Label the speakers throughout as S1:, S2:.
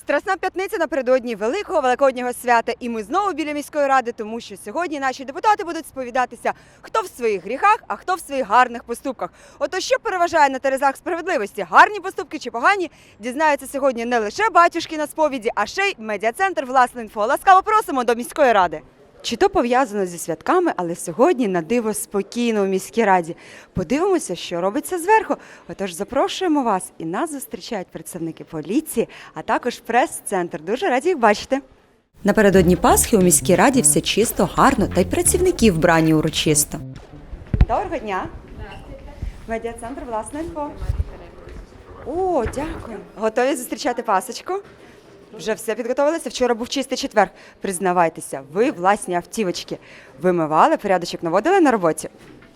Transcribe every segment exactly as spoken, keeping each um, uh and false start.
S1: Страсна п'ятниця напередодні великого великоднього свята, і ми знову біля міської ради, тому що сьогодні наші депутати будуть сповідатися, хто в своїх гріхах, а хто в своїх гарних поступках. Ото що переважає на терезах справедливості, гарні поступки чи погані, дізнаються сьогодні не лише батюшки на сповіді, а ще й медіа-центр «Власне інфо». Ласкаво просимо до міської ради. Чи то пов'язано зі святками, але сьогодні на диво спокійно у міській раді. Подивимося, що робиться зверху. Отож, запрошуємо вас, і нас зустрічають представники поліції, а також прес-центр. Дуже раді їх бачити. Напередодні Пасхи у міській раді все чисто, гарно, та й працівники вбрані урочисто. Доброго дня. Медіа-центр «Власне інфо». О, дякую. Готові зустрічати Пасочку? Вже все підготовилися? Вчора був чистий четвер. Признавайтеся, ви власні автівочки вимивали, порядочок наводили на роботі?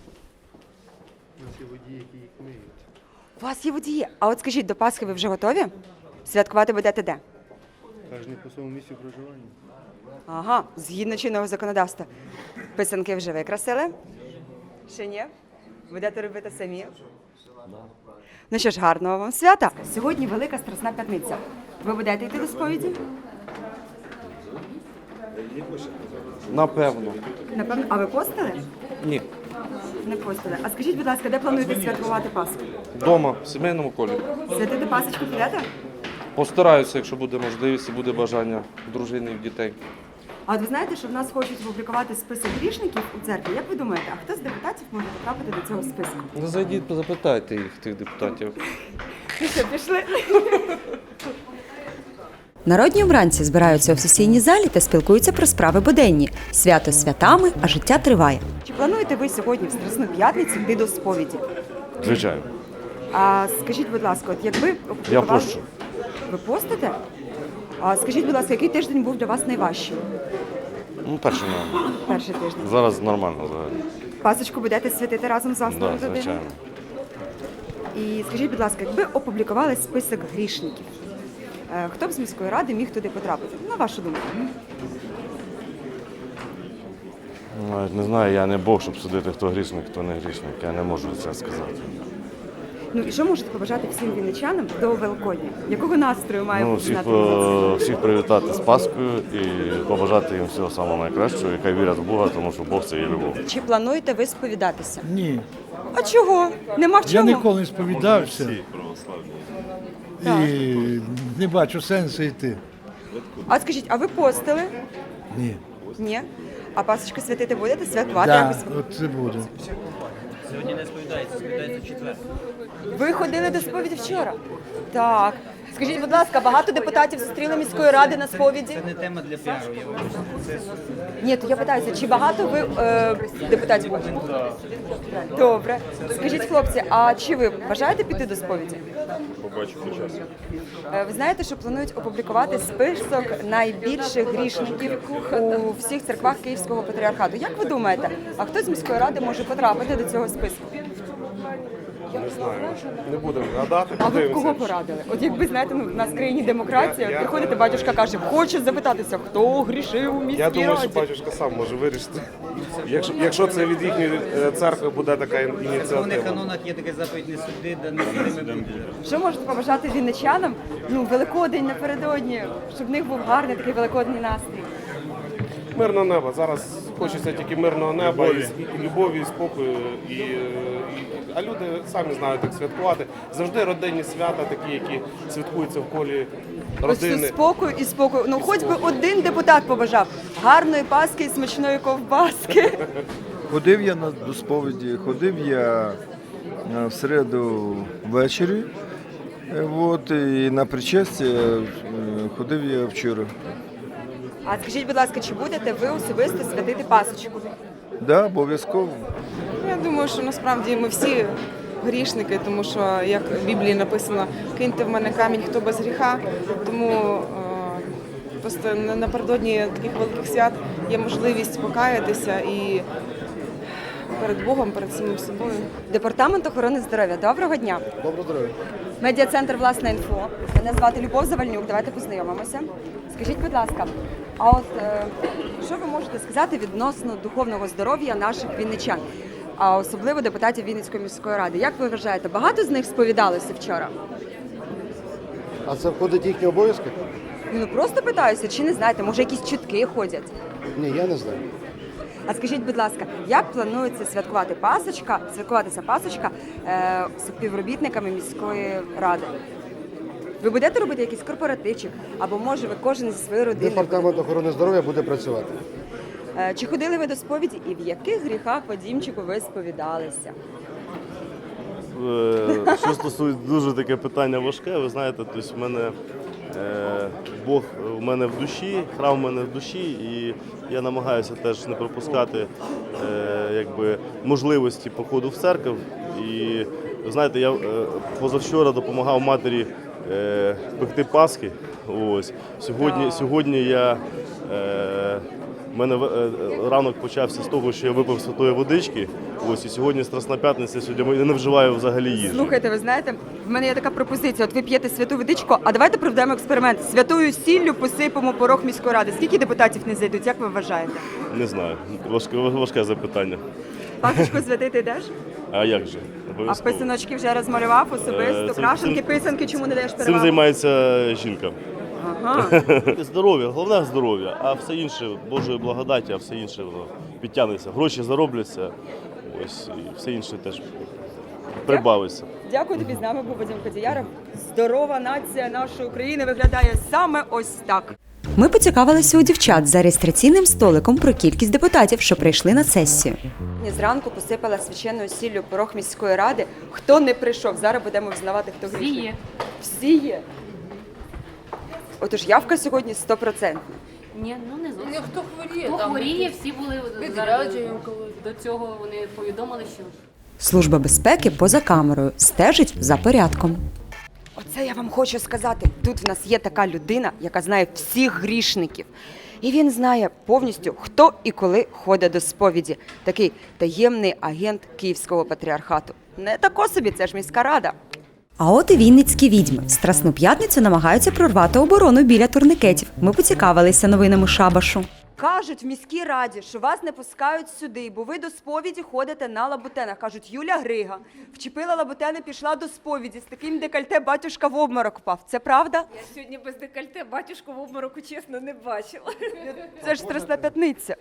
S2: У нас є водії, які їх миють.
S1: У вас є водії. А от скажіть, до Пасхи ви вже готові? Святкувати будете де?
S2: Кожен по своєму місцю проживання.
S1: Ага, згідно чинного законодавства. Писанки вже викрасили? Ще ні? Будете робити самі? Ну що ж, гарного вам свята. Сьогодні Велика Страсна п'ятниця. Ви будете йти до сповіді?
S3: Напевно.
S1: Напевно. А ви постили?
S3: Ні.
S1: Не постили. А скажіть, будь ласка, де плануєте святкувати Пасху?
S3: Дома, в сімейному колі.
S1: Святити Пасочку підете?
S3: Постараюся, якщо буде можливість і буде бажання дружини і дітей.
S1: А от ви знаєте, що в нас хочуть опублікувати список грішників у церкві? Як ви думаєте, а хто з депутатів може потрапити до цього списку?
S3: Ну, зайдіть, запитайте їх, тих депутатів.
S1: Ну що, пішли? Народні обранці збираються у сесійній залі та спілкуються про справи буденні. Свято святами, а життя триває. Чи плануєте ви сьогодні в Страсну п'ятницю йти до сповіді?
S3: Звичайно.
S1: А скажіть, будь ласка, от якби
S3: Я
S1: опублікували...
S3: пощу.
S1: Ви постите? А скажіть, будь ласка, який тиждень був для вас найважчим?
S3: Ну, перше не.
S1: Перший тиждень.
S3: Зараз нормально взагалі.
S1: Пасочку будете святити разом з
S3: Так,
S1: власною
S3: да,
S1: родиною?
S3: звичайно.
S1: І скажіть, будь ласка, якби опублікували список грішників, е, хто б з міської ради міг туди потрапити? На вашу думку?
S3: Навіть не знаю, я не Бог, щоб судити, хто грішник, хто не грішник. Я не можу це сказати.
S1: Ну і що можете побажати всім вінничанам до Великодня? Якого настрою має
S3: Ну,
S1: бути
S3: всіх,
S1: знати?
S3: е, всіх привітати з Пасхою і побажати їм всього самого найкращого, і хай вірять в Бога, тому що Бог – це є любов.
S1: Чи плануєте ви сповідатися?
S4: Ні,
S1: А чого? Нема в
S4: я
S1: чому?
S4: ніколи не сповідався і не бачу сенсу йти.
S1: А скажіть, а ви постили?
S4: Ні.
S1: Ні. А Пасочку святити будете? Святкувати
S4: Да,
S1: якось?
S4: от це буде.
S5: Сьогодні не сповідається, сповідається в четвер.
S1: Ви ходили до сповіді вчора? Так. Скажіть, будь ласка, багато депутатів зустріли міської ради на сповіді?
S5: Це не тема для піару, я вибачте. Це
S1: Ні, то я питаюся, чи багато ви е, депутатів бачите? Добре. Скажіть, хлопці, а чи ви бажаєте піти до сповіді?
S6: Побачу по часу.
S1: Е, Ви знаєте, що планують опублікувати список найбільших грішників у всіх церквах Київського патріархату. Як ви думаєте, а хто з міської ради може потрапити до цього списку?
S6: Не знаю. Не будемо гадати,
S1: А ви б
S6: подивимося.
S1: кого порадили? От якби, знаєте, ну, в нас в країні демократія,
S6: Я- я-
S1: приходите, батюшка каже, хочу запитатися, хто грішив у міській
S6: Я думаю, що
S1: раді.
S6: батюшка сам може вирішити. Якщо, якщо це від їхньої е, церкви буде така ін-
S5: в церковних
S6: ініціатива.
S5: канонах є таке заповідь не суди, да не судими буде.
S1: Що можете побажати вінничанам? Ну, Великодень напередодні, щоб в них був гарний такий великодній настрій.
S6: Мирного неба. Зараз хочеться тільки мирного неба, і, с- і любові, і спокою. І, е, і, а люди самі знають, як святкувати. Завжди родинні свята, такі, які святкуються в колі
S1: Ось тут
S6: родини.
S1: спокою і спокою. Ну, хоч би один депутат побажав гарної паски і смачної ковбаски.
S7: Ходив я на до сповіді, ходив я е, в середу ввечері, е, от, і на причастя е, ходив я вчора.
S1: А скажіть, будь ласка, чи будете ви особисто святити Пасочку?
S7: Да, обов'язково.
S8: Я думаю, що насправді ми всі грішники, тому що, як в Біблії написано, киньте в мене камінь, хто без гріха. Тому е, просто на- напередодні таких великих свят є можливість покаятися і перед Богом, перед самим собою.
S1: Департамент охорони здоров'я. Доброго дня.
S2: Доброго здоров'я.
S1: Медіа-центр «Власне інфо». Мене звати Любов Завальнюк. Давайте познайомимося. Скажіть, будь ласка, а от е, що ви можете сказати відносно духовного здоров'я наших вінничан, а особливо депутатів Вінницької міської ради? Як ви вважаєте, багато з них сповідалося вчора?
S2: А це входить в їхні обов'язки?
S1: Ну просто питаюся, чи не знаєте, може якісь чутки ходять?
S2: Ні, я не знаю.
S1: А скажіть, будь ласка, як планується святкувати Пасочка, святкуватися Пасочка е, з співробітниками міської ради? Ви будете робити якийсь корпоративчик? Або може ви кожен зі своєї родини?
S2: Департамент охорони здоров'я буде працювати.
S1: Е, Чи ходили ви до сповіді і в яких гріхах, Вадімчику, ви сповідалися?
S3: Е, Що стосується дуже таке питання важке, ви знаєте, тобто в мене е, Бог в мене в душі, храм в мене в душі, і я намагаюся теж не пропускати е, якби, можливості походу в церкву. І ви знаєте, я е, позавчора допомагав матері е, пекти Пасхи. Ось. Сьогодні, сьогодні я. Е, У мене е, ранок почався з того, що я випив святої водички. Ось і сьогодні Страсна п'ятниця, сьогодні я не вживаю взагалі їжі.
S1: Слухайте, ви знаєте, в мене є така пропозиція. От ви п'єте святу водичку, а давайте проведемо експеримент. Святою сіллю посипемо порог міської ради. Скільки депутатів не зайдуть? Як ви вважаєте?
S3: Не знаю. Важке, важке запитання.
S1: Пасочку святити йдеш?
S3: А як же?
S1: А
S3: Обов'язково.
S1: писаночки вже розмалював
S3: Е,
S1: особисто.
S3: цим-
S1: Крашенки,
S3: цим-
S1: писанки, чому не даєш
S3: Цим
S1: перевагу?
S3: займається жінка.
S1: Ага.
S3: Здоров'я, головне здоров'я, а все інше Божої благодаті, а все інше воно підтягнеться. Гроші заробляться, ось і все інше теж прибавиться.
S1: Дякую тобі. З нами був Вадим Кодіяров. Здорова нація нашої України виглядає саме ось так.
S9: Ми поцікавилися у дівчат за реєстраційним столиком про кількість депутатів, що прийшли на сесію.
S1: Я зранку посипала священною сіллю порог міської ради. Хто не прийшов? Зараз будемо взнавати, хто
S10: Всі
S1: грішний.
S10: є.
S1: Всі є. Отож, явка сьогодні сто відсотків.
S10: Ні, ну не зовсім.
S11: Хто хворіє,
S10: Хто
S11: там
S10: хворіє,
S11: якісь
S10: всі були
S11: відрядження.
S10: до цього. Вони повідомили, що
S9: Служба безпеки поза камерою стежить за порядком.
S1: Оце я вам хочу сказати. Тут в нас є така людина, яка знає всіх грішників. І він знає повністю, хто і коли ходить до сповіді. Такий таємний агент Київського патріархату. Не тако собі, це ж міська рада.
S9: А от і вінницькі відьми. В Страсну п'ятницю намагаються прорвати оборону біля турникетів. Ми поцікавилися новинами шабашу.
S1: Кажуть в міській раді, що вас не пускають сюди, бо ви до сповіді ходите на лабутенах. Кажуть, Юля Грига вчепила лабутени, пішла до сповіді. З таким декольте батюшка в обморок впав. Це правда?
S11: Я сьогодні без декольте батюшку в обмороку, чесно, не бачила.
S1: Це ж Страсна п'ятниця.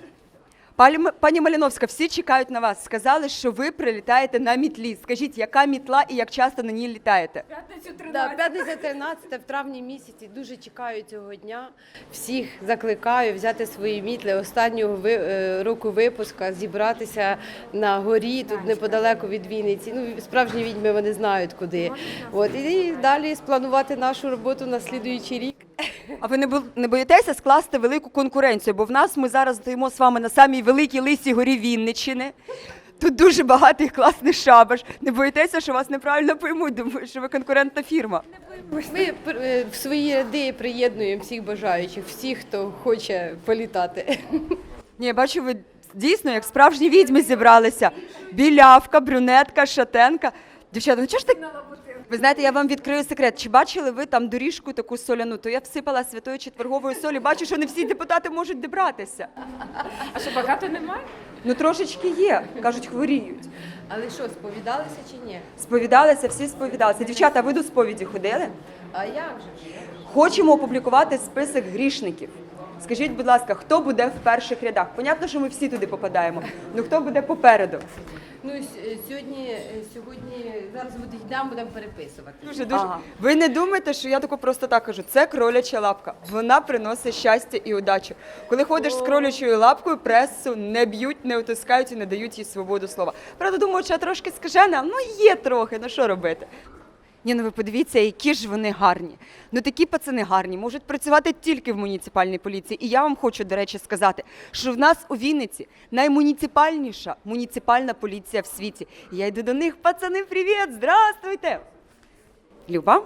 S1: Пані, пані Маліновська, всі чекають на вас. Сказали, що ви прилітаєте на мітлі. Скажіть, яка мітла і як часто на ній літаєте?
S11: П'ятницю
S12: Да,
S11: тринадцять.
S12: п'ятниця тринадцяте в травні місяці. Дуже чекаю цього дня. Всіх закликаю взяти свої мітли останнього ви- е, року випуска, зібратися на горі, тут неподалеку від Вінниці. Ну, справжні відьми вони знають куди. От, і далі спланувати нашу роботу на слідуючий рік.
S1: А ви не бо- не боїтеся скласти велику конкуренцію? Бо в нас ми зараз стоїмо з вами на самій великій лисій горі Вінниччини. Тут дуже багатий класний шабаш. Не боїтеся, що вас неправильно поймуть? Думаю, що ви конкурентна фірма.
S12: Ми е, в свої ряди приєднуємо всіх бажаючих, всіх, хто хоче політати.
S1: Ні, я бачу, ви дійсно як справжні відьми зібралися. Білявка, брюнетка, шатенка. Дівчата, ну чого ж так? Ви знаєте, я вам відкрию секрет. Чи бачили ви там доріжку таку соляну? То я всипала святої четвергової солі. Бачу, що не всі депутати можуть добратися.
S11: А що, багато немає?
S1: Ну трошечки є. Кажуть, хворіють.
S12: Але що, сповідалися чи ні?
S1: Сповідалися, всі сповідалися. Дівчата, ви до сповіді ходили?
S12: А як же ж?
S1: Хочемо опублікувати список грішників. Скажіть, будь ласка, хто буде в перших рядах? Понятно, що ми всі туди попадаємо. Ну хто буде попереду?
S12: Ну, с- сьогодні, сьогодні, зараз йдемо, будемо переписувати.
S1: Дуже дуже. Ви не думаєте, що я тако просто так кажу. Це кроляча лапка. Вона приносить щастя і удачу. Коли ходиш з кролячою лапкою, пресу не б'ють, не утискають і не дають їй свободу слова. Правда, думаю, що я трошки скажена, ну є трохи. Ну що робити? Ні, ну ви подивіться, які ж вони гарні. Ну такі пацани гарні, можуть працювати тільки в муніципальній поліції. І я вам хочу, до речі, сказати, що в нас у Вінниці наймуніципальніша муніципальна поліція в світі. І я йду до них, пацани, привіт, здравствуйте! Люба?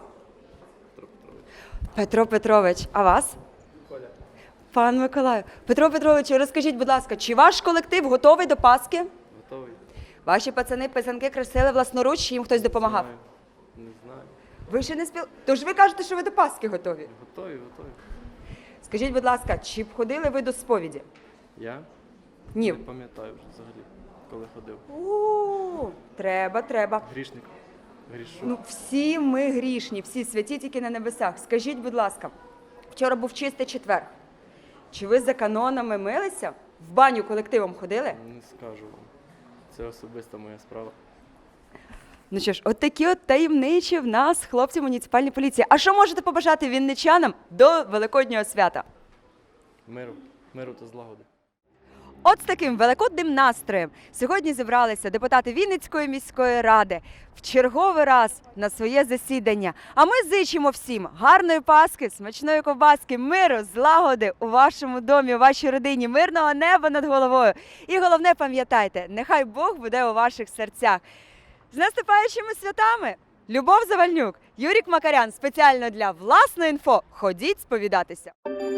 S1: Петро Петрович, а вас? Пан Миколаю. Петро Петрович, розкажіть, будь ласка, чи ваш колектив готовий до Пасхи?
S2: Готовий?
S1: Ваші пацани писанки красили власноруч, чи їм хтось допомагав?
S2: Не знаю.
S1: Ви ще не спіл... Тож ви кажете, що ви до Пасхи готові?
S2: Готові, готові.
S1: Скажіть, будь ласка, чи б ходили ви до сповіді?
S2: Я
S1: Ні.
S2: не пам'ятаю вже взагалі, коли ходив.
S1: У, треба, треба.
S2: Грішник. Грішу.
S1: Ну, всі ми грішні, всі святі тільки на небесах. Скажіть, будь ласка, Вчора був чистий четвер. Чи ви за канонами милися? В баню колективом ходили?
S2: Не скажу вам. Це особиста моя справа.
S1: Ну що ж, от такі от таємничі в нас хлопці муніципальної поліції. А що можете побажати вінничанам до Великоднього свята?
S2: Миру, миру та злагоди.
S1: От з таким великодним настроєм сьогодні зібралися депутати Вінницької міської ради в черговий раз на своє засідання. А ми зичимо всім гарної Пасхи, смачної ковбаски, миру, злагоди у вашому домі, у вашій родині, мирного неба над головою. І головне, пам'ятайте, нехай Бог буде у ваших серцях. З наступаючими святами! Любов Завальнюк, Юрік Макарян спеціально для власної інфо. Ходіть сповідатися.